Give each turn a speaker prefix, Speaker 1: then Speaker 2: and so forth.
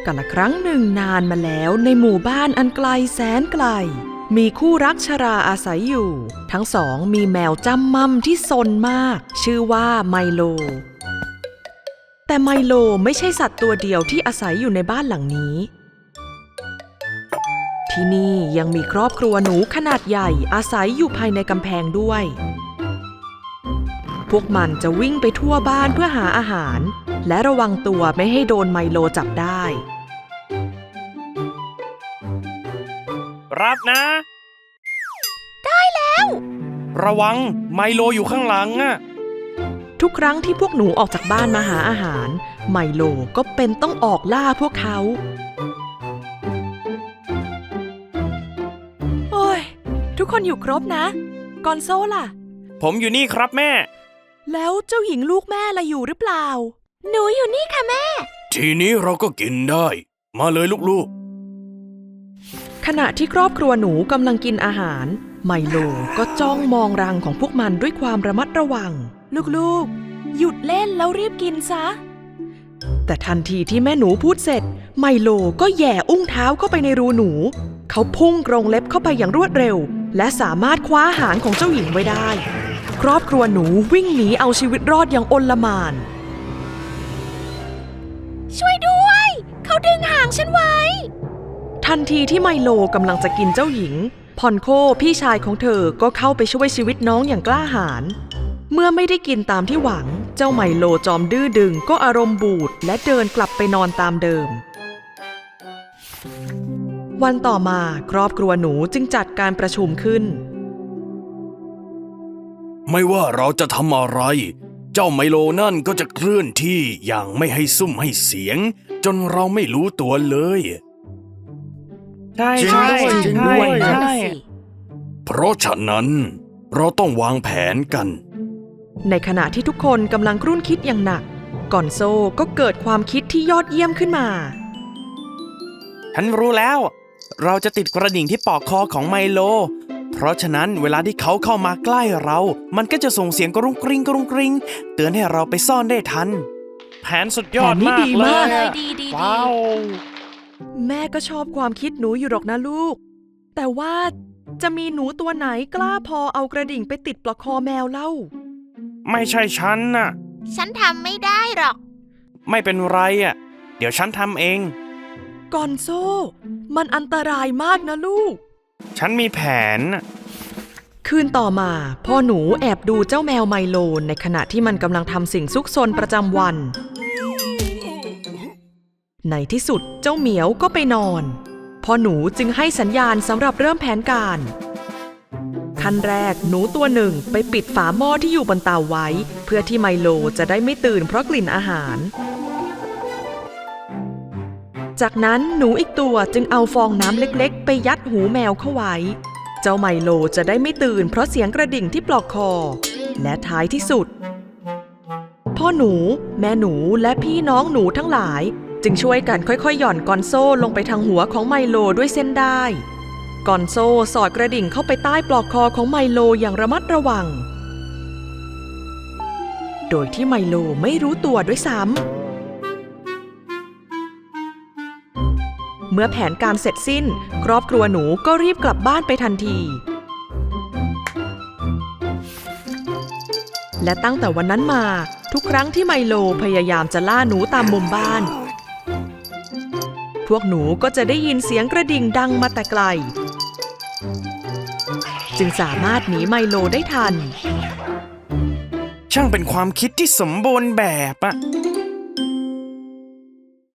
Speaker 1: กาลครั้งหนึ่งนานมาแล้วในหมู่บ้านอันไกลแสนไกลมีคู่รักชราอาศัยอยู่ทั้งสองมีแมวจำม่ำที่ซนมากชื่อว่าไมโลแต่ไมโลไม่ใช่สัตว์ตัวเดียวที่อาศัยอยู่ในบ้านหลังนี้ที่นี่ยังมีครอบครัวหนูขนาดใหญ่อาศัยอยู่ภายในกำแพงด้วยพวกมันจะวิ่งไปทั่วบ้านเพื่อหาอาหารและระวังตัวไม่ให้โดนไมโลจับได้
Speaker 2: รับนะ
Speaker 3: ได้แล้ว
Speaker 2: ระวังไมโลอยู่ข้างหลังอะ
Speaker 1: ทุกครั้งที่พวกหนูออกจากบ้านมาหาอาหารไมโลก็เป็นต้องออกล่าพวกเขาโอ้ยทุกคนอยู่ครบนะกอนโซล่ะ
Speaker 2: ผมอยู่นี่ครับแม่
Speaker 1: แล้วเจ้าหญิงลูกแม่ล่ะอยู่หรือเปล่า
Speaker 3: หนูอยู่นี่ค่ะแม่
Speaker 2: ทีนี้เราก็กินได้มาเลยลูก
Speaker 1: ขณะที่ครอบครัวหนูกำลังกินอาหารไมโลก็จ้องมองรังของพวกมันด้วยความระมัดระวังลูกๆหยุดเล่นแล้วรีบกินซะแต่ทันทีที่แม่หนูพูดเสร็จไมโลก็แหย่อุ้งเท้าเข้าไปในรูหนูเขาพุ่งกรงเล็บเข้าไปอย่างรวดเร็วและสามารถคว้าหางของเจ้าหญิงไว้ได้ครอบครัวหนูวิ่งหนีเอาชีวิตรอดอย่างอลหม่าน
Speaker 3: ช่วยด้วยเขาดึงหางฉันไว้
Speaker 1: ทันทีที่ไมโลกำลังจะกินเจ้าหญิงพอนโคพี่ชายของเธอก็เข้าไปช่วยชีวิตน้องอย่างกล้าหาญเมื่อไม่ได้กินตามที่หวังเจ้าไมโลจอมดื้อดึงก็อารมณ์บูดและเดินกลับไปนอนตามเดิมวันต่อมาครอบครัวหนูจึงจัดการประชุมขึ้น
Speaker 2: ไม่ว่าเราจะทำอะไรเจ้าไมโลนั่นก็จะเคลื่อนที่อย่างไม่ให้ซุ่มให้เสียงจนเราไม่รู้ตัวเลย
Speaker 3: ใช่
Speaker 2: เพราะฉะนั้นเราต้องวางแผนกัน
Speaker 1: ในขณะที่ทุกคนกำลังครุ่นคิดอย่างหนักกอนโซก็เกิดความคิดที่ยอดเยี่ยมขึ้นมา
Speaker 2: ฉันรู้แล้วเราจะติดกระดิ่งที่ปอกคอของไมโลเพราะฉะนั้นเวลาที่เขาเข้ามาใกล้เรามันก็จะส่งเสียงกรุงกริงกรุงกริงเตือนให้เราไปซ่อนได้ทันแผนสุดยอดมากเลยว้าว
Speaker 1: แม่ก็ชอบความคิดหนูอยู่หรอกนะลูกแต่ว่าจะมีหนูตัวไหนกล้าพอเอากระดิ่งไปติดปลอกคอแมวเล่า
Speaker 2: ไม่ใช่ฉันน่ะ
Speaker 3: ฉันทำไม่ได้หรอก
Speaker 2: ไม่เป็นไรอ่ะเดี๋ยวฉันทำเอง
Speaker 1: กอนโซมันอันตรายมากนะลูก
Speaker 2: ฉันมีแผน
Speaker 1: คืนต่อมาพ่อหนูแอบดูเจ้าแมวไมโลในขณะที่มันกำลังทำสิ่งซุกซนประจำวันในที่สุดเจ้าเหมียวก็ไปนอนพ่อหนูจึงให้สัญญาณสำหรับเริ่มแผนการขั้นแรกหนูตัวหนึ่งไปปิดฝาหม้อที่อยู่บนเตาไว้เพื่อที่ไมโลจะได้ไม่ตื่นเพราะกลิ่นอาหารจากนั้นหนูอีกตัวจึงเอาฟองน้ำเล็กๆไปยัดหูแมวเข้าไว้เจ้าไมโลจะได้ไม่ตื่นเพราะเสียงกระดิ่งที่ปลอกคอและท้ายที่สุดพ่อหนูแม่หนูและพี่น้องหนูทั้งหลายจึงช่วยกันค่อยๆหย่อนกอนโซ่ลงไปทางหัวของไมโลด้วยเส้นได้กอนโซ่สอดกระดิ่งเข้าไปใต้ปลอกคอของไมโลอย่างระมัดระวังโดยที่ไมโลไม่รู้ตัวด้วยซ้ำเมื่อแผนการเสร็จสิ้นครอบครัวหนูก็รีบกลับบ้านไปทันทีและตั้งแต่วันนั้นมาทุกครั้งที่ไมโลพยายามจะล่าหนูตามมุมบ้านพวกหนูก็จะได้ยินเสียงกระดิ่งดังมาแต่ไกลจึงสามารถหนีไมโลได้ทัน
Speaker 2: ช่างเป็นความคิดที่สมบูรณ์แบบอะ